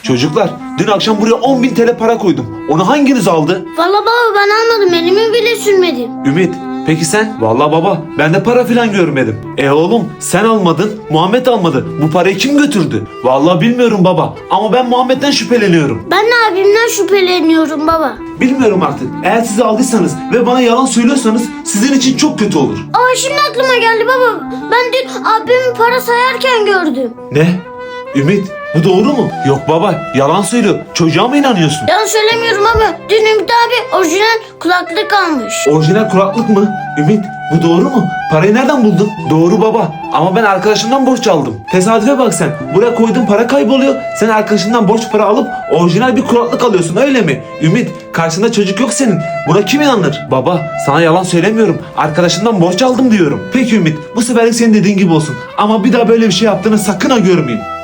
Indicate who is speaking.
Speaker 1: Çocuklar, dün akşam buraya 10.000 TL para koydum. Onu hanginiz aldı?
Speaker 2: Valla baba ben almadım, elimi bile sürmedim.
Speaker 1: Ümit, peki sen? Vallahi baba, ben de para filan görmedim. Oğlum, sen almadın, Muhammed almadı. Bu parayı kim götürdü? Vallahi bilmiyorum baba, ama ben Muhammed'den şüpheleniyorum.
Speaker 2: Ben de abimden şüpheleniyorum baba.
Speaker 1: Bilmiyorum artık. Eğer siz aldıysanız ve bana yalan söylüyorsanız sizin için çok kötü olur.
Speaker 2: Aa, şimdi aklıma geldi baba. Ben dün abimin para sayarken gördüm.
Speaker 1: Ne? Ümit, bu doğru mu? Yok baba, yalan söylüyor. Çocuğa mı inanıyorsun?
Speaker 2: Yalan söylemiyorum ama dün Ümit abi orijinal kulaklık almış.
Speaker 1: Orijinal kulaklık mı? Ümit, bu doğru mu? Parayı nereden buldun? Doğru baba, ama ben arkadaşımdan borç aldım. Tesadüfe bak sen. Buraya koyduğun para kayboluyor. Sen arkadaşından borç para alıp orijinal bir kulaklık alıyorsun, öyle mi? Ümit, karşında çocuk yok senin. Buna kim inanır? Baba, sana yalan söylemiyorum. Arkadaşından borç aldım diyorum. Peki Ümit, bu seferlik senin dediğin gibi olsun. Ama bir daha böyle bir şey yaptığını sakın ha görmeyeyim.